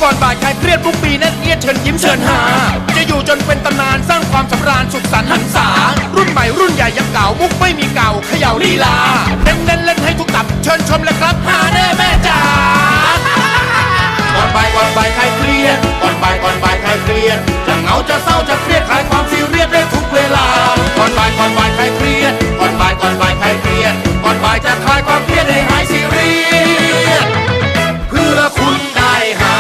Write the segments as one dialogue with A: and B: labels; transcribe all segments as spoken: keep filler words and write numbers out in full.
A: ก่อนบ่ายใครเครียดทุกปีแน่นเอียดเชิญยิ้มเชิญหาจะอยู่จนเป็นตำนานสร้างความสำราญสุขสันต์หันษารุ่นใหม่รุ่นใหญ่ยังเก่ามุกไม่มีเก่าเขย่าลีลาเน้นเล่นเล่นให้ทุกตับเชิญชมเลยครับหาแน่แม่จ๋าก่อนบ่ายก่อนบ่ายใครเครียดก่อนบ่ายก่อนบ่ายใครเครียดจะเหงาจะเศร้าจะเครียดคลายความซีเรียสได้ทุกเวลาก่อนบ่ายก่อนบ่ายใครเครียดก่อนบ่ายก่อนบ่ายใครเครียดก่อนบ่ายจะคลายความเครียดให้หายซีเรียสเพื่อคุณได้หา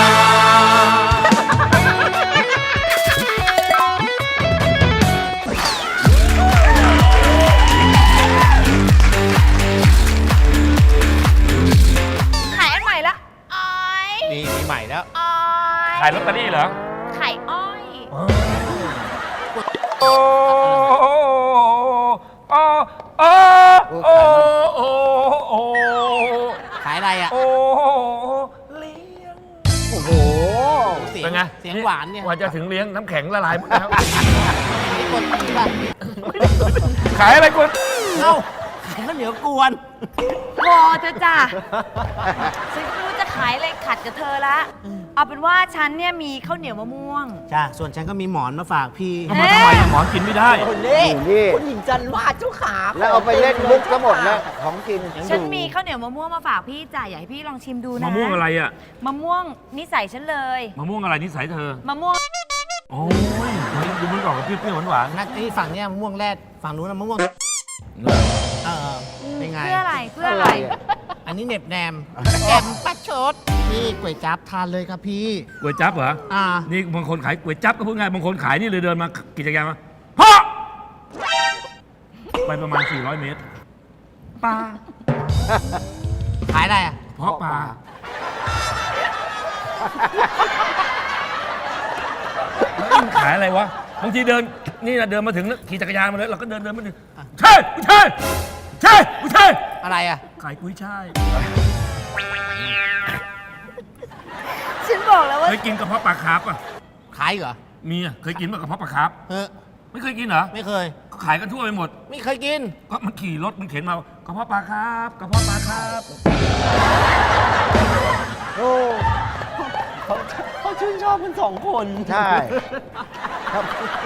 B: ขายอันใหม่ละอ้อย
C: มีมีใหม่แล้ว
B: อ้อย
D: ขายลอตเตอรี่เหรอ
B: ขายอ้อย
D: โอ้โอ้โอ้โอ้โอ้โอ้
C: ขายอะไรอ่ะ
D: โอ้เลี้ยง
C: โอ้โห เสียง
D: เป็นไง
C: เสียงหวานเนี่ย
D: กว่าจะถึงเลี้ยงน้ำแข็งละลายหมดแล้ว
C: นี่คนนี้ป่ะ
D: ขายอะไรคุณ
C: เอ้าขายข้าวเหนียวกวน
B: พอเธอะจ้ะฉันไม่รู้จะขายอะไรขัดกับเธอละเอาเป็นว่าฉันเนี่ยมีข้าวเหนียวมะม่วง
C: จ้า ส่วนฉันก็มีหมอนมาฝากพี่
D: ทำไมทำไมหมอนกินไม่ได้
E: นี่นี่
F: คุณหญิงจันวาดเจ้าขา
E: แล้วเอาไปเล่นมุกทั้งหมดแล้วของกิน
B: ฉันมีข้าวเหนียวมะม่วงมาฝากพี่จ้ะอยากให้พี่ลองชิมดูนะ
D: มะม่วงอะไรอ่ะ
B: มะม่วงนิสัยฉันเลย
D: มะม่วงอะไรนิสัยเธอ
B: มะม่วง
D: โอ้ยดูมันออกกับเปรี้ยวๆหวาน
C: นักที่ฝั่งเนี้ยมะม่วงแรดฝั่งนู้นนะมะม่วง
D: ๆเหรอ
C: เออเป็นไง
B: เพื่ออะไรเพื่ออะไร
C: อันนี้เหน็บแนมแอมปัดชดนี่ก๋วยจั๊บทานเลยครับพี่
D: ก๋วยจั๊บเหรอ
C: อ่า
D: นี่บางคนขายก๋วยจั๊บก็พูดง่ายบางคนขายนี่เลยเดินมากิจการมาฮะไปประมาณสี่ร้อยเมตรปลา
C: ขายอะไรอ่ะ
D: เพาะปลาแล้วมันขายอะไรวะบางทีเดินนี่นะเดินมาถึงแล้วขี่จักรยานมาเลยเราก็เดินเดินมาถึงใช่ไม่ใช่ใช่ไม่ใช่
C: อะไรอ่ะ
D: ขายกุ้ยช่าย
B: ฉันบอกแล้วว่า
D: เคยกินกระเพาะปลาคาร์ฟป่ะ
C: ขายเหรอ
D: มีอ่ะเคยกินป่ะกระเพาะปลาคาร์ฟ
C: เฮ้ย
D: ไม่เคยกินเหรอ
C: ไม่เคย
D: ก็ขายกันทั่วไปหมด
C: ไม่เคยกิน
D: ก็มันขี่รถมันเข็นมากระเพาะปลาคาร์ฟกระเพาะปลาคาร์ฟ
E: โอ้
F: เขาชื่นชอบกันสองคน
E: ใช่ครับ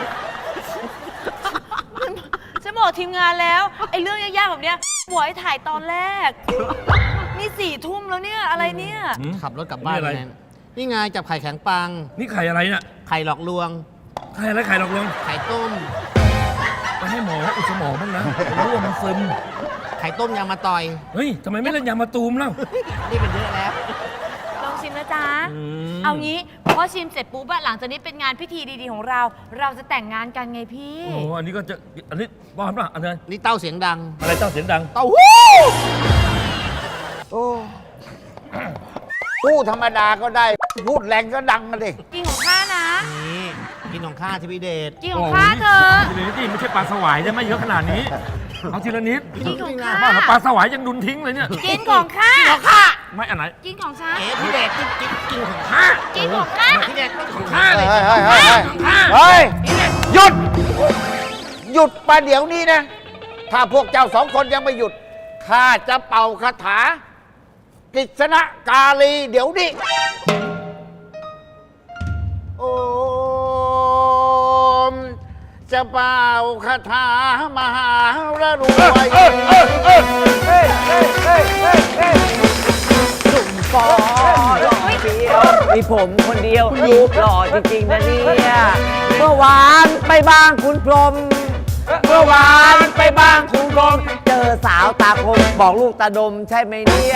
B: ฉันบอกทีมงานแล้วไอ้เรื่องยากๆแบบเนี้ยหวยถ่ายตอนแรก นี่สี่ทุ่มแล้วเนี่ยอะไรเนี่ย
D: หืม
C: ขับรถกลับบ้าน
D: นี่อะไร
C: ไงนี่ไงจับไข่แข็งปัง
D: นี่ไข่อะไรเนี่ย
C: ไข่หลอกลวง
D: ไข่อะไรไข่หลอกลวง
C: ไข่ต้ม
D: ไปให้หมออุดสมองบ้างนะรู้ว่ามันซึม
C: ไข่ต้มยางมาต่อย
D: เฮ้ยทำไมไม่เล่นยามาตูมเล่า
C: นี่เป็นเยอะแล้ว
B: ลองชิมนะจ๊ะ
D: อืม
B: เอางี้พอชิมเสร็จปุ๊บอะหลังจากนี้เป็นงานพิธีดีๆของเรา เราจะแต่งงานกันไงพี่
D: โอ้อันนี้ก็จะอันนี้บ้าป่ะอันนี้
C: นี่เต้าเสียงดัง
D: อะไรเจ้าเสียงดัง
C: เต้าหู้
E: โอ้พูดธรรมดาก็ได้ พูดแรงก็ดังกันดิ
B: กินของข้านะ
C: นี่กินของข้าที่พี่เดช
B: กินของข้าเธอ
D: ทีละนิดนี่ไม่ใช่ปลาสวายใช่ไหมเยอะขนาดนี้เอาทีละนิด
B: กินของข้า
D: บ้าแล้วปลาสวายยังดุนทิ้งเลยเนี่ย
B: กินของข้า
D: ไม่อันไหน
B: กินของฉัน
C: เอ๋พี่เดชกินกินกินของข้า
B: กินของข้า
C: พี่เดชกินของ
D: ข้า
C: ข้า
D: เลย
E: เฮ้ยเฮ้ยเฮ้ยเฮ้ยหยุด หยุดประเดี๋ยวนี้นะ ถ้าพวกเจ้าสองคนยังไม่หยุด ข้าจะเป่าคาถา กิษณกาลีเดี๋ยวนี้ โอม จะเป่าคาถามหาระรวย
F: ฟอหล่อเดียวมีผมคนเดียวรูปหล่อจริงๆนะเนี่ยเมื่อวานไปบ้างคุณพรหมเมื่อวานไปบ้างคุณพรหมเจอสาวตาคมบอกลูกตาดมใช่ไหมเนี่ย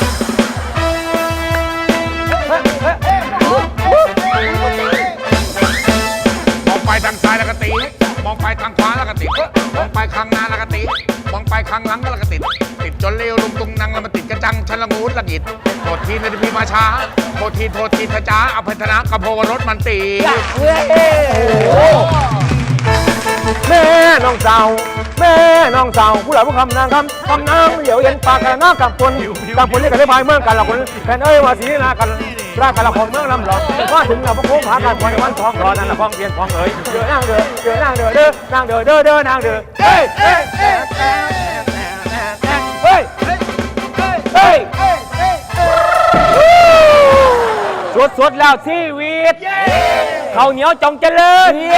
A: มองไปทางซ้ายแล้วก็ตีมองไปทางขวาแล้วก็ติดมองไปข้างหน้าแล้วก็ติดมองไปข้างหลังแล้วก็ติดติดจนเร็วลุงตุงนังแล้วมาติดกระจังชันละงูดละกิดโทษทีนะที่พี่มาช้าโทษทีโทษทีทจ้าอภัยธนะกระโพวรถมันตี
G: แม่น้องเจ้าแม่น้องเจ้าผู้หลักผู้คำนางคำคำนางเหลียวเย็นปากกันน้ากับคนกับคนนี้กันได้พายเมืองกันละคนแฟนเอ้ยว่าสีนากันรากันละคนเมืองลำหลอกว่าถึงเราพวกโค้งผากันวันวันทองรอนั่นละพ้องเพียนพ้องเอ๋ยเดือนางเดือเดือนางเดือเด้อนางเดือเด้อเด้อนางเดือเฮ้ยเฮ้ยเฮ้ยเฮ้ยเฮ้ยสุสดสดๆแล้วชีวิตข้าวเหนียวจงเจริญเย้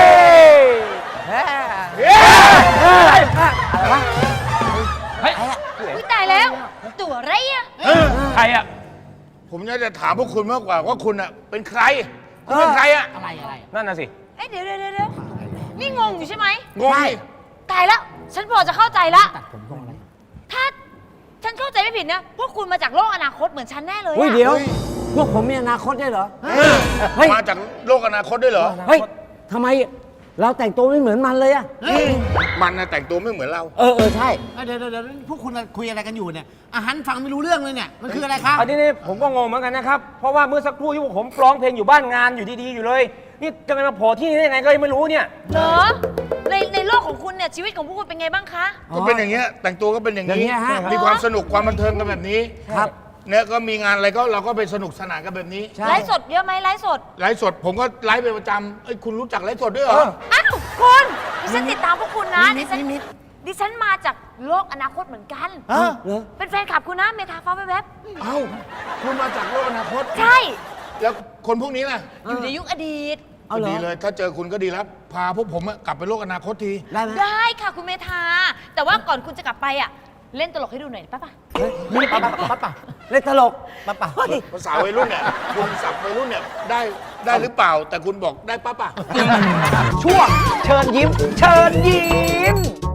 B: อุ๊ยตายแล้ว ตัวอะไรอะ
D: ใครอ่ะ
A: ผมอยากจะถามพวกคุณมากกว่าว่าคุณอะเป็นใคร คุณเป็นใครอะ
C: อะไรอะไร
G: นั่นน่ะสิ
B: เอ๊ะเดี๋ยวเดี๋ยวเดี๋ยวนี่งงอยู่ใช่ไหม
A: งงดิ
B: ตายแล้ว ฉันพอจะเข้าใจละถ้าฉันเข้าใจไม่ผิดนะพวกคุณมาจากโลกอนาคตเหมือนฉันแน่เลย
F: อุ้ย
B: อะ
F: เดี๋ยว พวกผมมีอนาคตได้วยเหรอ เฮ้ย
A: มาจากโลกอนาคตด้วยเหรอ
F: เฮ้ยทำไมเราแต่งตัวไม่เหมือนมันเลยอะ
A: มันนะแต่งตัวไม่เหมือนเรา
F: เออเออใช่
C: เดี๋ยวเดี๋ยวเดี๋ยวพวกคุณคุยอะไรกันอยู่เนี่ยอาหารฟังไม่รู้เรื่องเลยเนี่ย มันคืออะไรครับ
G: อันนี้นี่ผมก็งงเหมือนกันนะครับ เพราะว่าเมื่อสักครู่ที่พวกผมร้องเพลงอยู่บ้านงานอยู่ดีๆอยู่เลย นี่จะมาโผล่ที่นี่ได้ยังไงก็ยังไม่รู้เนี่ย
B: เหรอ ในในโลกของคุณเนี่ยชีวิตของพวกคุณเป็นไงบ้างคะ
A: ก็เป็นอย่างเงี้ย แต่งตัวก็เป็นอย่าง
F: อย่าง
A: นี้
F: เงี้ยฮะ
A: มีความสนุกความบันเทิงกันแบบนี้
F: ครับ
A: เนี่ยก็มีงานอะไรก็เราก็ไปสนุกสนานกันแบบนี้
F: ใช่
B: ไลฟ์สดเยอะไหมไลฟ์สด
A: ไลฟ์สดผมก็ไลฟ์เป็นประจำเอ้ยคุณรู้จักไลฟ์สดด้วยเหรอ
B: อ้าวคุณดิฉันติดตามพวกคุณนะ
C: นิ
B: ดิ
C: ด
B: ฉัน
C: นิด
B: ดิฉันมาจากโลกอนาคตเหมือนกัน
F: เออเหรอ
B: เป็นแฟนคลับคุณนะเมทาฟ้าแวบ
A: เอ้าคุณมาจากโลกอนาคต
B: ๆใช่
A: แล้วคนพวกนี้น่ะ
B: อยู่ในยุคอดีต
F: เอาเหรอ
A: ดีเลย ถ้าเจอคุณก็ดีแล้ว พาพวกผมอะกลับไปโลกอนาคตที
F: ได้ไหม
B: ได้ค่ะคุณเมธาแต่ว่าก่อนคุณจะกลับไปอ่ะ เล่นตลกให้ดูหน่อยได้ปะปะ
F: นี่ปั๊บปั๊บปั๊บปั๊บเล่นตลก
C: ปั๊บป่ะ
F: เฮ้ย
A: ภาษาวัยรุ่นเนี่ยคุณสับวัยรุ่นเนี่ยได้ได้หรือเปล่า แต่คุณบอกได้ปั๊บอะ
F: ช่วงเชิญยิ้ม เชิญยิ้ม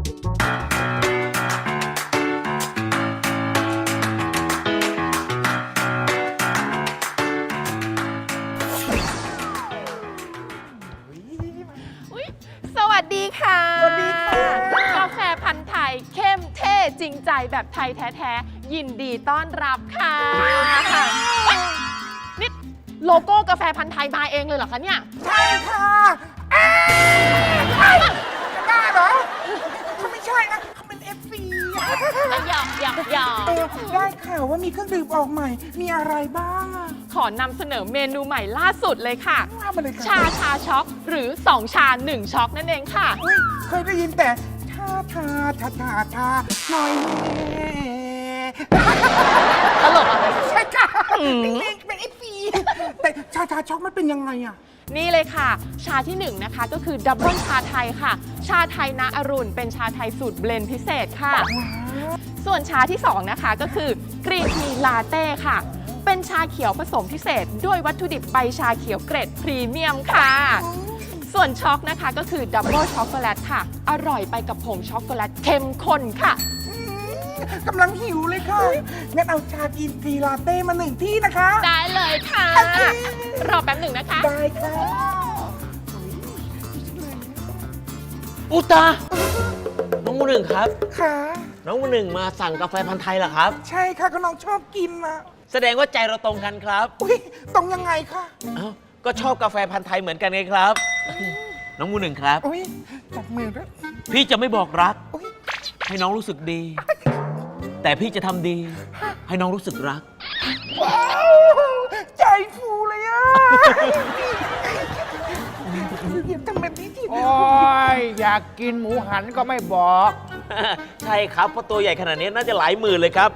H: อุ๊ยสวัสดีค่ะ สวัสดีค่ะ กาแฟพันธุ์ไทยเข้มเท่จริงใจแบบไทยแท้ๆ ยินดีต้อนรับค่ะเอ้ยนี่โลโก้กาแฟพันธุ์ไทยมาเองเลยเหรอคะเนี่ย
C: ใช่ค่ะเอ๊ะใช่จะบ้าเหรอเขาไม่ใช่นะเขาเป็น เอฟ ซี
H: หยอกหยอกหยอก
I: เออได้ข่าวว่ามีเครื่องดื่มออกใหม่ มีอะไรบ้างอะ
H: ขอนำเสนอเมนูใหม่ล่าสุดเลยค่ะ
I: ว่ามาเลยค่ะ
H: ชาชาช็อกหรือสองชาหนึ่งช็อกนั่นเองค่ะ
I: อุ๊ยเคยได้ยินแต่ชาชาชาชาชาหน่อยแม่
H: ตลกอะไร
I: ใช่ค่ะเป็นเป็นเอฟซีแต่ชาชาช็อกมันเป็นยังไงอะ
H: นี่เลยค่ะ ชาที่หนึ่งนะคะก็คือดับเบิลชาไทยค่ะ ชาไทยณอรุณเป็นชาไทยสูตรเบลนด์พิเศษค่ะ ส่วนชาที่สองนะคะก็คือกรีนทีลาเต้ค่ะ เป็นชาเขียวผสมพิเศษ ด้วยวัตถุดิบใบชาเขียวเกรดพรีเมียมค่ะ ส่วนช็อกนะคะก็คือดับเบิลช็อกโกแลตค่ะ อร่อยไปกับผงช็อกโกแลตเข้มข้นค่ะ
I: กำลังหิวเลยค่ะ งั้นเอาชากินทีลาเต้มาหนึ่งที่นะคะ
H: ได้เลยค่ะ รอแป๊บหนึ่งนะคะ
I: ได้ค่ะ
F: อุตา น้องมูหนึ่งครับ
I: ค่ะ
F: น้องมูหนึ่งมาสั่งกาแฟพันธุ์ไทยเหรอครับ
I: ใช่ค่ะก็น้องชอบกินนะ
F: แสดงว่าใจเราตรงกันครับ
I: อุ้ยตรงยังไงคะ
F: เอ้า ก็ชอบกาแฟพันธุ์ไทยเหมือนกันไงครับ น้องมูหนึ่งครับ
I: อุ้ยจับมือด้วย
F: พี่จะไม่บอกรัก
I: อุ้ย
F: ให้น้องรู้สึกดี แต่พี่จะทำดี ให้น้องรู้สึกรัก
I: ว้าวใจฟูเลยอ่ะเดี๋ยวทำแบบนี้ที
G: โอ้ย อยากกินหมูหันก็ไม่บอก
F: ใช่ครับ เพราะตัวใหญ่ขนาดนี้น่าจะหลายหมื่นเลยครับ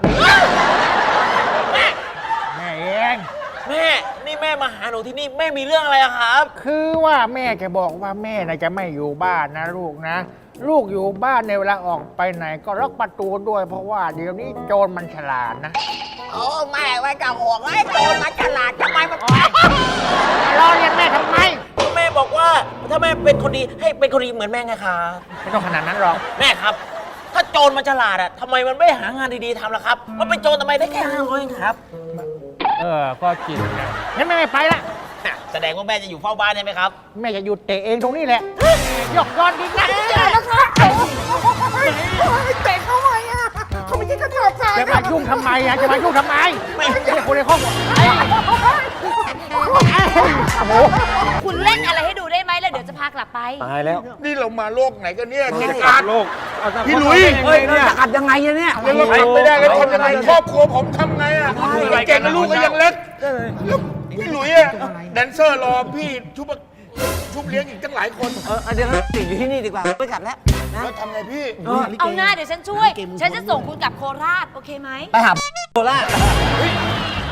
G: แม่เอง
F: แม่ นี่แม่มาหาหนูที่นี่แม่มีเรื่องอะไรอะครับ
G: คือว่าแม่จะบอกว่าแม่นะจะไม่อยู่บ้านนะลูกนะ ลูกอยู่บ้านในเวลาออกไปไหนก็ล็อกประตูด้วย เพราะว่าเดี๋ยวนี้โจรมันฉลาดนะ
C: โอ้แม่ไว้กับห่วงไอ้โตมาฉลาดทำไมมัน
G: รอเรียนแม่ทำไม
F: แม่บอกว่าถ้าแม่เป็นคนดีให้เป็นคนดีเหมือนแม่ไงครับ
G: ไม่ต้องขนาดนั้นหรอก
F: แม่ครับ ถ้าโจรมันฉลาดอะทำไมมันไม่หางานดีๆทำล่ะครับ มันเป็นโจรทำไมได้แค่ห้าร้อยเองครับ
G: เออ ก็จริงนะงั้นแม่ไม่ไปละ
F: แสดงว่าแม่จะอยู่เฝ้าบ้านใช่ไหมครับ
G: แม่จะหยุดเตะเองตรงนี้แหละยกยอดดีนะ
I: เตะเขาไว้อ่ะเขาไม่ใช่กระสอบทราย
G: จะมายุ่งทำไมอ่ะจะมายุ่งทำไมไม่ใช่คนในครอบครัวไอ้โอ้โห
B: คุณเล่นอะไรให้ดูได้ไหมแล้วเดี๋ยวจะพากลับไป
G: ตายแล้ว
A: นี่เรามาโลกไหนกันเนี่ยกิจการ
G: โลก
A: พี่หลุย
G: เฮ้ยเนี่ย
F: จะอัดยังไงอะเนี่ย
A: แล้วเราทำไม่ได้แล้วทำยังไงครอบครัวผมทำไงอ่ะเก่งกับลูกก็ยังเล็กแล้วพี่หลุยอ่ะแดนเซอร์รอพี่ชุบชุบเลี้ยงอีกตั้งหลายคน
F: เออเดี๋ยวติดอยู่ที่นี่ดีกว่าไม่กลับแล้วนะ
A: แล้วทำไงพี่
B: เอาหน้าเดี๋ยวฉันช่วย ฉันจะส่งคุณกลับโคราช โอเคไหม
F: ไปหาโคราช
A: โค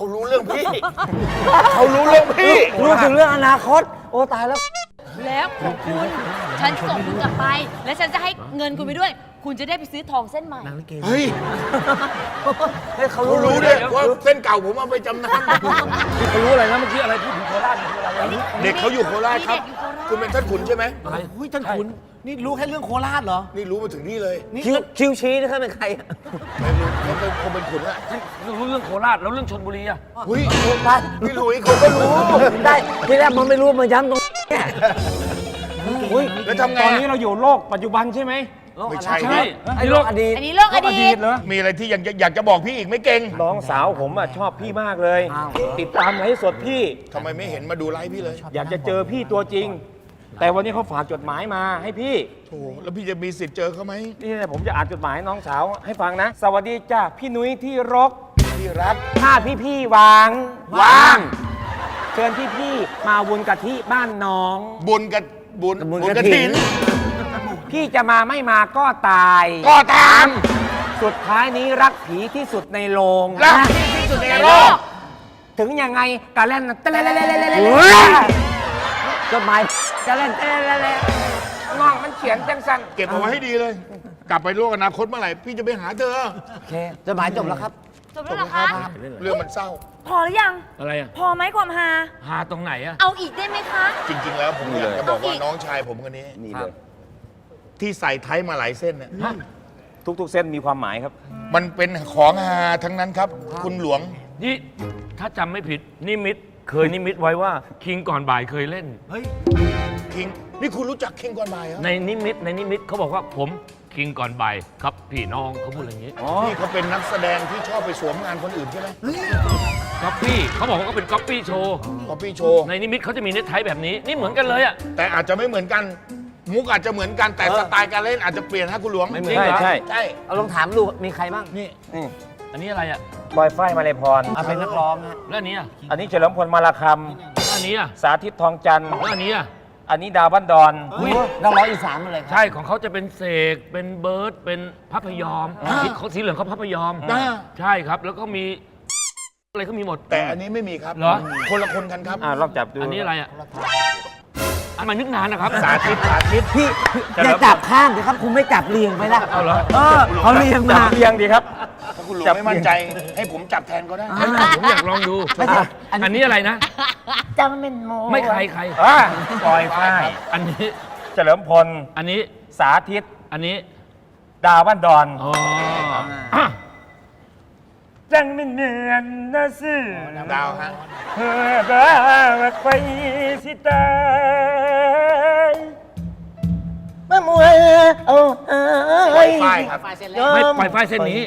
A: เขารู้เรื่องพี่ เขารู้เรื่องพี่
F: รู้ถึงเรื่องอนาคต โอ้ตายแล้ว
B: แล้วของคุณ ฉันส่งคุณกลับไป และฉันจะให้เงินคุณไปด้วย คุณจะได้ไปซื้อทองเส้นใหม่
A: เฮ้ย
F: เฮ้ยเขา
A: เขา
F: รู้
A: รู้ด้วยว่าเส้นเก่าผมเอาไปจำน
D: เขารู้อะไรนะเมื่อกี้อะไรพูดถึงโคราชนี่คืออะไร
A: ำเด็กเขาอยู่โคราชครับ
B: มีเด็กอยู่โคราช
A: คุณเป็นท่านขุนใช่ไหม
D: อะไร
I: อุ้ยท่านขุนนี่รู้แค่เรื่องโคราชเหรอ
A: นี่รู้มาถึงนี่เลย
F: คิวคิวชี้นี่เขาเป็นใครอะ
A: ไม่รู้เขาเป็นคงเป็นขุนอะ
D: รู้เรื่องโคราชแล้วเรื่องชลบุรีอะ
A: เฮ้ย
F: ได้
A: พี่หลุยเขาก็รู้
F: ได้ที่แรกมันไม่รู้มาย้ำตรงเนี้ยอุ้ย
A: แล้วทำไง
G: ตอน
A: อะ
G: นี้เราอยู่โลกปัจจุบันใช่ไหม
A: ไม่ใช่
D: ใช่
F: ไอ้โลกอดีต
B: อันนี้โลกอดีต
G: เหรอ
A: มีอะไรที่อยากจะอยากจะบอกพี่อีกไหม่เก่ง
G: น้องสาวผมอ่ะชอบพี่มากเลย
F: อ้าว
G: ติดตามไลฟ์สดพี่
A: ทำไมไม่เห็นมาดูไลฟ์พี่เลย
G: อยากจะเจอพี่ตัวจริง แต่วันนี้เขาฝากจดหมายมาให้พี่
A: โถแล้วพี่จะมีสิทธิ์เจอเขาไหม
G: นี่นะผมจะอ่านจดหมายน้องสาวให้ฟังนะ สวัสดีจ้าพี่นุ้ยที่รก
A: พี่รัก
G: ถ้าพี่พี่ๆวาง
A: วาง
G: เชิญพี่พี่ๆมาวุนกะทิบ้านน้อง
A: บุญกับบุญ
F: บุญ
A: บุญ
F: ก
A: ก
F: ฐิ
A: ฐิ
F: น
A: น
G: พี่จะมาไม่มาก็ตาย
A: ก็ตาม
G: สุดท้ายนี้รักผีที่สุดในโรง
A: รักพี่ที่สุดในโลก
G: ถึงยังไงกะเล่นเตะเล่นเล่นเล่นเล่น
A: เฮ้ย
F: จดหมายจะเล่นเต้นเล่นเล่น
G: น้องมันเขียนจังสัน
A: เก็บเอาไว้ให้ดีเลย กลับไปโลกอนาคตเมื่อไหร่พี่จะไปหาเธอ
F: โอเคจดหมายจบแล้วครับ
B: จบแล้วเหรอคะ
A: เรื่องมันเศร้า
B: พอหรือยัง
D: อะไรอะ
B: พอไหมความฮา
D: หาตรงไหนอะ
B: เอาอีกได้ไหมคะ
A: จริง ๆ แล้วผมอยากจะบอกว่าน้องชายผมคนนี้
F: นี่เลย
A: ที่ใส่ไทยมาหลายเส้นเนี่ย
G: ทุกๆเส้นมีความหมายครับ
A: มันเป็นของฮาทั้งนั้นครับ คุณหลวง
D: นี่ถ้าจำไม่ผิดนิมิตเคยนิมิตไว้ว่าคิงก่อนบ่ายเคยเล่น
A: คิง นี่คุณรู้จักคิงก่อนบ่ายเหรอ
D: ในนิมิตในนิมิตเขาบอกว่าผมคิงก่อนบ่ายครับพี่น้องเขาพูดอย่างนี้
A: นี่เขาเป็นนักแสดงที่ชอบไปสวมงานคนอื่นใช่ไหม
D: ก๊อปปี้เขาบอกว่าก็เป็นก๊อปปี้โชว์
A: คอปปี้โชว์
D: ในนิมิตเขาจะมีเน็ตไทแบบนี้นี่เหมือนกันเลยอะ
A: แต่อาจจะไม่เหมือนกัน มุกอาจจะเหมือนกันแต่สไตล์การเล่นอาจจะเปลี่ยนฮะคุณหลวง
D: ไม่เหมือน
G: ใช่
D: เหรอ
G: ใช่
A: ใช่
F: เอาลองถามดูมีใครบ้าง
A: นี่
G: นี่
D: อันนี้อะไรอะ
G: บอยฝ้ายมาเลยพร
F: เอาเป็นนักร้องฮะ
D: แล้วอันนี้อะ
G: อันนี้เฉลิมพลมาลาค
D: แล้วอันนี้อะ
G: ำสาธิตทองจันทร์
D: แล้วอันนี้อะ
G: อันนี้ดาวบ้านดอน
F: อุ้ยนักร้องอีสานมาเลยครับ
D: ใช่ของเขาจะเป็นเสกเป็นเบิร์ดเป็นพัพยอมเขาสีเหลืองเขาพัพยอม
A: อ่า
D: ใช่ครับแล้วก็มีอะไรก็มีหมด
A: แต่อันนี้ไม่มีครับ
D: เหรอ
A: คนละคนกันครับ
G: อ่าลองจับดู
D: อันนี้อะไรอ่ะอันมานึกนานนะครับ
A: สาธิตสาธิต
F: พี่อย่าจับข้ามสิครับ คุณไม่จับเรียงไปละ
D: เอาเหรอ
F: เออเขาเรียง
G: จั
F: มา
G: บเรียงดีครับ
A: ถ้าคุณหลวง
G: จับ
A: ไม่มั่นใจ ให้ผมจับแทนก็ได้
F: อ่า
D: ผมอยากลองดู
F: ไม่ใช่
D: อันนี้อะไรนะ
F: จำเป็นโม
D: ไม่ใครใคร
G: อ่าบอยฝ้าย
D: อันนี้
G: เฉลิมพล
D: อันนี้
G: สาธิต
D: อันนี้
G: ดาวบ้านดอน
D: อ๋ออ่ะ
G: จังไม่เนียนนะสิ
A: ดาวฮะ
G: เพื่อบ้าไปสิตายมามวยเอาเอ้ย
A: ฝ้ายครับ
D: ไม่ปล่อยไฟเส้นนี้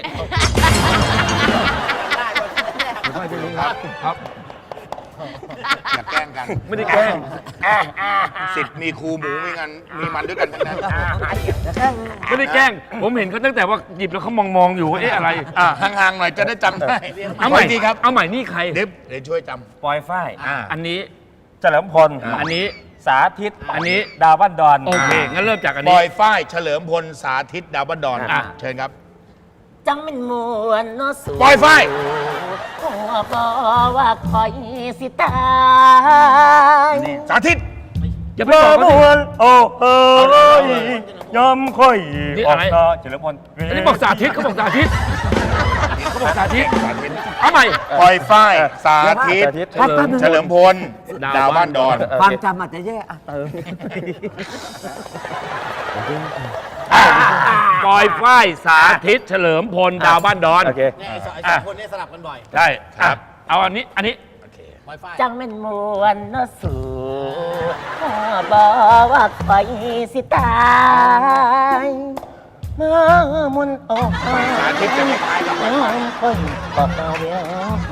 D: ปล่อยไฟเส้นนี้ครับครับ
A: อย่าแกล้งกัน
D: ไม่ได้แกล้ง
A: สิทธิ์มีครูหมูมีงานมีมันด้วยกันทั้งนั้น
D: ไม่ได้แกล้ง ผมเห็นเขาตั้งแต่ว่าหยิบแล้วเขามองมองๆอยู่ว่าเอ๊ะอะไร
A: อ่ะห่างๆหน่อยจะได้จำได้
D: เอาใหม่
A: ขทีครับ
D: เอาใหม่นี่ใคร
A: เดี๋ยวเดี๋ยวช่วยจ
G: ปอยฝ้าย
A: ำอ่า
D: อันนี้
G: เฉลิมพล
D: อันนี้
G: สาธิต
D: อันนี้
G: ดาวบ้านดอน
D: โอเค งั้นเริ่มจากอัน
A: บ
D: นี้
A: อยฝ้ายเฉลิมพลสาธิตดาวบันดอน
D: อ่ะ
A: เชิญครับ
F: จังเป็นมวนเนาะสู
A: บอยฝ้าย
F: หัวบอว่าคอยสิตาย
A: สาธิต
D: อย่าไป
G: ม
D: บอก
G: ม
D: เขาสิ
G: วนโอ้เฮ้ยยอมค่อย
D: นี่
G: ออ
D: อะ
G: ก
D: ไร
G: ตาเฉลิมพล
D: อันนี้บอกสาธิตเขาบอกสาธิตเขาบอกสาธิต
A: สาธิต
D: เอาใหม่
A: บอยฝ้ายสาธิต
G: สาธิต
F: ครับแป๊บนึง
A: เฉลิมพล
D: ดาว
A: ดาวบ้านดอน
F: ความจำอาจจะแย่อ่ะเติม
D: ปอยฝ้ายสาธิตเฉลิมพลดาวบ้านดอน
G: โอเค
D: อ่ะใช่ครับเอาอันนี้ อันนี้
F: จังเป็นมวนเนาะสูหัวบอว่าคอยสิตายมามุนโอ้
A: สาธิตจะไม่ตายหรอก
F: ยอมค่อยบอกเอาเดียว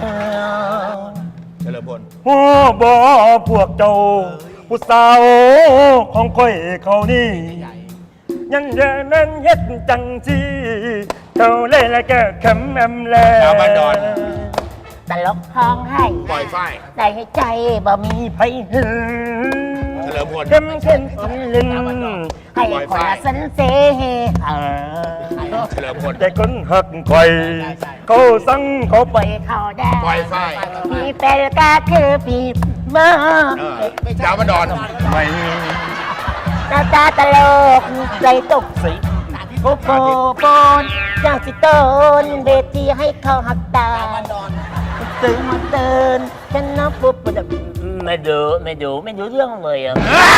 A: เฉลิมพล
G: หัวบอพวกเจ้า ผู้สาวของค่อยเขานี่ ยังเดินนั้นเฮ็ดจังจีเขาเล่นแล้วก็คำแอมแล
A: ดาวบ้านดอน
F: ตลกท้องให้
A: บอยฝ้าย
F: ได้ให้ใจบ่มีไผหึง
A: เฉลิมพล
F: เข้มเข้มคนลึงให้คนละสันเซหา
A: เฉลิมพล
G: แต่คนหักคอยเขาสั่งเขาไป
J: เขาได้
A: ปล่อยไฟ
J: มีเป็นก็คือปีเมื่อ
A: เออดาวมาดอน
G: ไม่
J: ตาตาตลกใจตกสิโปโปโปนจ้างสิต้นเวทีให้เขาหักตาตื่นมาเตือนฉันนับปุ๊บปุ๊บ
F: ไม่ดูไม่ดูไม่ดูเรื่องเลยอ่ะ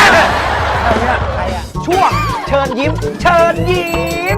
F: ช่วงเชิญยิ้ม เชิญยิ้ม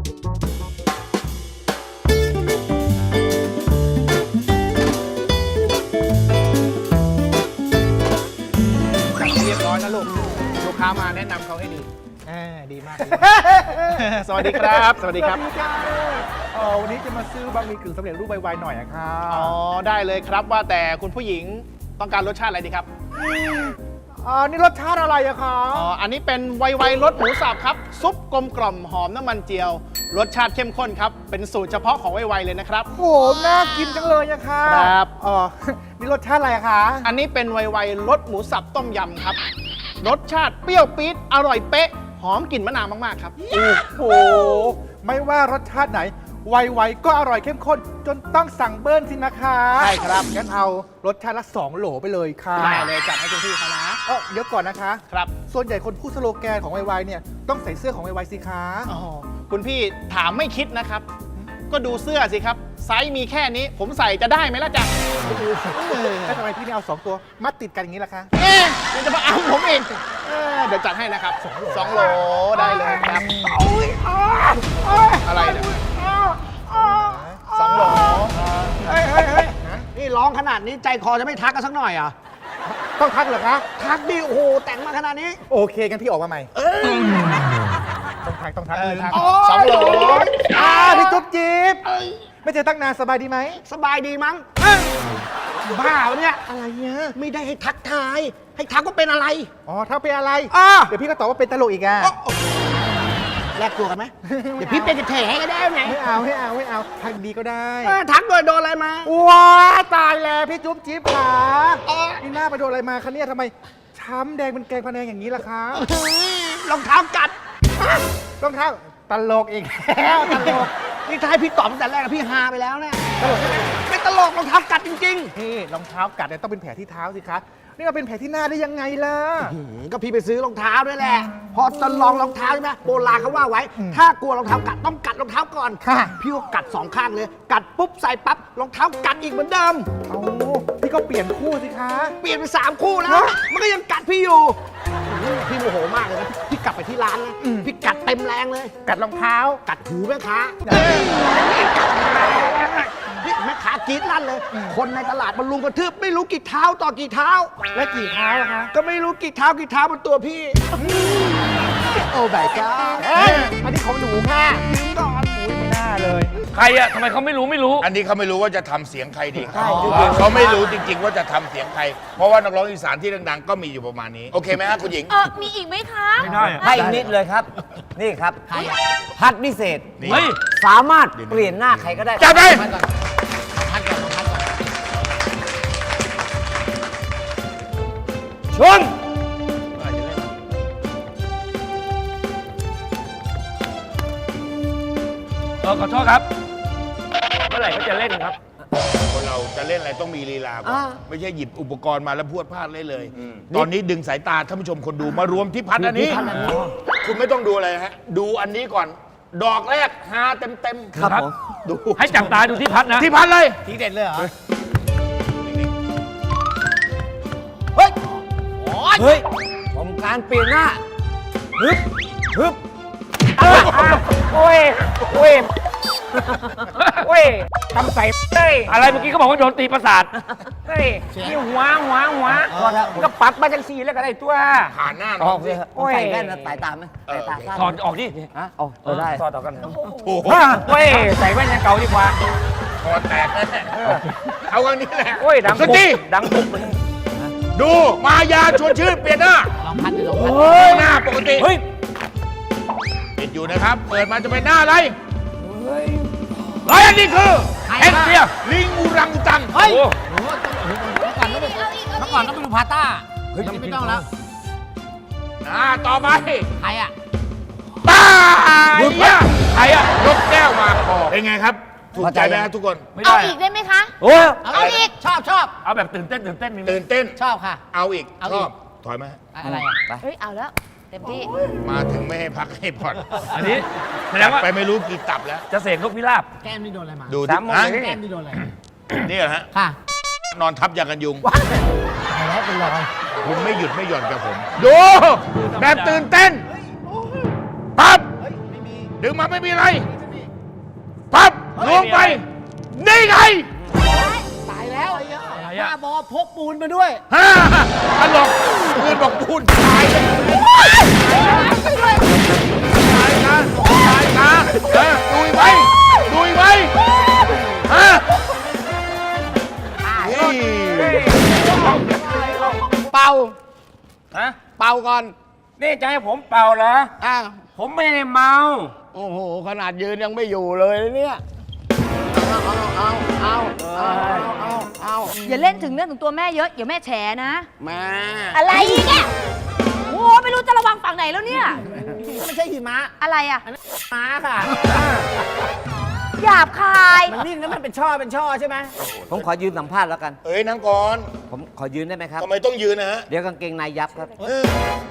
C: เรียบร้อยนะลูก ลูกค้ามาแนะนำเขาให้ดีอ่าดีมาก สวัสดีครับ สวัสดีครับ
I: เออวันนี้จะมาซื้อบะหมี่กึ่งสำเร็จรูปไวๆหน่อยอะครับ
C: อ๋อ ได้เลยครับว่าแต่คุณผู้หญิงต้องการรสชาติอะไรดีครับ
I: อ๋อนี่รสชาติอะไรอะครับ
C: อ๋อ อันนี้เป็นไวไวรสหมูสับครับ ซุปกลมกล่อมหอมน้ำมันเจียว รสชาติเข้มข้นครับ เป็นสูตรเฉพาะของไวไวเลยนะครับ
I: โหน่ากินจังเลยอะค่ะ
C: ครับ
I: อ๋อ นี่รสชาติอะไรอะคะ
C: อันนี้เป็นไวไวรสหมูสับต้มยำครับ รสชาติเปรี้ยวปี๊ด อร่อยเป๊ะ หอมกลิ่นมะนาวมากๆครับ
I: โอ้โห ไม่ว่ารสชาติไหน ไวๆก็อร่อยเข้มข้น จนต้องสั่งเบิ้ลสินะคะ
C: ใช่ครับ
I: งั้นเอารสชาติละสองโหลไปเลยค่ะ
C: ได้เลยจัดให้คุณพี่เขานะ
I: เออเดี๋ยวก่อนนะคะ
C: ครับ
I: ส่วนใหญ่คนพูดสโลแกนของไวๆเนี่ยต้องใส่เสื้อของไวๆสิคะ
C: อ๋อ คุณพี่ถามไม่คิดนะครับ ก็ดูเสื้อสิครับ ไซส์มีแค่นี้ ผมใส่จะได้ไหมล่ะจ๊ะ
I: แล้วทำไมพี่ไม่เอาสองตัวมัดติดกันอย่างนี้ล่ะคะ
C: เอ๊ะเดี๋ยวจะมาเอาผมเองเอ้อเดี๋ยวจัดให้นะครับสองโหลได้เลยครับอะไรเนี่ยสองโหล
F: เฮ้ยเฮ้ยเฮ้ยนี่ร้องขนาดนี้ใจคอจะไม่ทักกันสักหน่อยอ่ะ
I: ต้องทักเหรอคะ
F: ทักดิ โอ้โห แต่งมาขนาดนี้
I: โอเคกันพี่ออกมาใหม่ต้องทักต้องทักเลยทัก
C: สองโหล
I: อ่าพี่จุ๊บจิ๊บไม่เจอตั้งนานสบายดีไหม
F: สบายดีมั้งบ้าวะเนี่ย
I: อะไรเนี่ย
F: ไม่ได้ให้ทักทาย ให้ทักว่าเป็นอะไร
I: อ๋อถ้าเป็นอะไร
F: อ่า
I: เดี๋ยวพี่ก็ตอบว่าเป็นตลกอีกอ่ะ
F: แลกตัวกันไหม เดี๋ยวพี่เป็นกระเทยให้ก็ได้ไง
I: ไม่เอาไม่เอาไม่เอาทักดีก็ได้
F: เออทักโดยโดนอะไรมา
I: ว้าตายแล้วพี่จุ๊บจิ๊บขา
F: เออ
I: นี่หน้าไปโดนอะไรมาคะเนี่ยทำไมช้ำแดงเป็นแกงพะแนงอย่างนี้ล่ะคะ
F: รองเท้ากัด
I: ต้องเท้าตลกอีกแล้วตลก
F: นี่ถ้าให้พี่ตอบตั้งแต่แรกอะพี่ฮาไปแล้วเนี่ยไม่ตลกรองเท้ากัดจริง
I: นี่รองเท้ากัดเนี่ยต้องเป็นแผลที่เท้าสิคะนี่มาเป็นแผลที่หน้าได้ยังไงล่ะ
F: ๆหืมก็พี่ไปซื้อรองเท้าด้วยแหละ พอจะลองรองเท้าใช่ไหมโบราณเขาว่าไว้ ถ้ากลัวรองเท้ากัดต้องกัดรองเท้าก่อน
I: ค่ะ
F: พี่ก็กัดสองข้างเลย กัดปุ๊บใส่ปั๊บรองเท้ากัดอีกเหมือนเดิม
I: เอาพี่ก็เปลี่ยนคู่สิคะ
F: เปลี่ยนไปสามคู่แล้ว มันก็ยังกัดพี่อยู่อื้อพี่โมโหมากเลยนะ พี่กลับไปที่ร้านนะพี่กัดเต็มแรงเลย
I: กัดรองเท้า
F: กัดหูแม่ค้าพี่แม่ค้ากรีดลั่นเลย คนในตลาดมันลุมกระทืบไม่รู้กี่เท้าต่อกี่เท้า
I: และกี่เท้าล่ะคะ
F: ก็ไม่รู้กี่เท้ากี่เท้าบนตัวพี่ โอ้ใบก้า
I: เอ้ยอันนี้ของหนูค่ะ
F: ทิ้งก่อน
I: อุ้ยไม่น่าเลย
D: ใครอะทำไมเขาไม่รู้ไม่รู้
A: อันนี้เขาไม่รู้ว่าจะทำเสียงใครดีเขาไม่รู้จริง ๆ ว่าจะทำเสียงใคร เพราะว่านักร้องอีสานที่ดังๆก็มีอยู่ประมาณนี้ โอเคไหมฮะคุณหญิง
B: เออมีอีกไหมคะ
D: ไม่ได้อะ
F: ให้อีกนิดเลยครับ นี่ครับพัดพิเศษ
A: นี่
D: เฮ้ย
F: สามารถเปลี่ยนหน้าใครก็ได้
A: จับไป
F: ชน
D: เออขอโทษครับ เมื่อไหร่เขาจะเล่นครับ
A: คนเราจะเล่นอะไรต้องมีลีลาก่อนไม่ใช่หยิบอุปกรณ์มาแล้วพรวดพลาดเล่นเลย ตอนนี้ดึงสายตาท่านผู้ชมคนดูมารวมที่พัดอันนี้ คุณไม่ต้องดูอะไรฮะ ดูอันนี้ก่อน ดอกแรกฮาเต็มเต็มๆ
D: ครับ
A: ดู
D: ให้จับตาดูที่พัดนะ
A: ที่พัดเลย
C: ทีเด็ดเลยเหรอ
F: เฮ้ย เฮ้ยผมการเปลี่ยนหน้า ฮึบ ฮึบโอ้ย โอ้ย โอ้ยทำใส่เฮ้ย
D: อะไรเมื่อกี้เขาบอกว่าโดนตีประสาท
F: เฮ้ยนี่หัวหัวหัวก็ปรับมาจังสี่แล้วก็ได้ตัว
A: ผ่านหน้าน้องสิ
F: โอ้ยใส่แว่นนะสายตาไหมสายตาสั้น
D: ถอดออกดิ
F: ฮะเอาเอาได้
D: ถอดออกกัน
A: โอ้โห
F: โอ้ย ใส่แว่นยังเก่าดีกว่า
A: คอแตกแน่เอาอันนี้แหละ
F: โอ้ย ดัง
A: ส
F: ปุ๊บ
A: ตี
F: ดังปุ๊บ
A: ดูมายาชวนชื่นเปลี่ยนหน้า
F: ลองพัดดูลองพัด
A: เฮ้ยหน้าปกติ
D: เฮ้ย
A: ปิดอยู่นะครับ เปิดมาจะเป็นหน้าอะไร
D: เฮ้ย อันนี้คือเอ็กเซีย
A: ลิงอุรังอุตัง
D: เฮ้ย
B: เมื่อก่อนต้องไปดูพาต้า
D: เฮ้ยไม่ต้องแล้ว
A: อ่าต่อไป
B: ใครอ่ะ
A: ตา
E: หยุดเนี่ยใครอะยกแก้วมาพอเป็นไงครับ ถูกใจไหมครับทุกคน
D: ไม่
B: เอา
D: ได้
B: อีกได้ไหมคะ
F: โอ้ย
B: เอาอีก
J: ชอบชอบ
D: เอาแบบตื่นเต้นตื่นเต้นมีไหม
E: ตื่นเต้น
J: ชอบค่ะ
E: เอาอีก
J: เอา
E: ช
J: อี
E: อก บ ถอยไหมา
J: อะไรอ่ะ
B: เฮ้ย เอาแล้ว เต็มที่
E: มาถึงไม่ให้พักให้ผ่อน
D: อันนี้แสดงว่า
E: ไปไม่รู้กี่ตับแล้ว
D: จะเสกนกพิราบ
J: แก้มนี่โดนอะไรมา
E: ดู
D: สามโมง
E: ฮะ
D: เลย
J: แก้มนี่โดนอะไร
E: นี่เหรอฮะ
J: ค่ะ
E: นอนทับยากันยุง
J: ว้ายตายแล้วเป็นรอย
E: คุณไม่หยุดไม่หย่อนกับผม ดู แบบตื่นเต้น ปั๊บ ดึงมาไม่มีอะไร ปั๊บลงไป นี่ไง
J: ตายแล้ว
D: อะไร
J: บ้า
D: อะ
J: บอพกปูนมาด้วย
E: ฮ่าตลกปืนบอกพูดตายเลยตายนะตายนะเออดุยไว้ดุยไว้ฮะนี่
F: เป่า
D: ฮะ
F: เป่าก่อน
D: นี่จะให้ผมเป่าเหรอ
F: อ่ะ
D: ผมไม่ได้เมา
F: โอ้โห ขนาดยืนยังไม่อยู่เลยเนี่ย เอาเอาเอาเอาเอาเอา
B: อย่าเล่นถึงเรื่องถึงตัวแม่เยอะ เดี๋ยวแม่แฉนะ
F: แม่
B: อะไรอีกอะโอ้ไม่รู้จะระวังฝั่งไหนแล้วเนี่ย
J: ไม่ใช่หิมะ
B: อะไรอะ
J: ม้าค่ะ
B: หยาบคาย
J: มันนิ่งแล้วมันเป็นช่อเป็นช่อใช่ไหม
F: ผมขอยืนสัมภาษณ์แล้วกัน
E: เอ้ยนั่งก่อน
F: ผมขอยืนได้ไหมครับ
E: ทำไมต้องยืนนะฮะ
F: เดี๋ยวกางเกงในยับครับ
E: เออ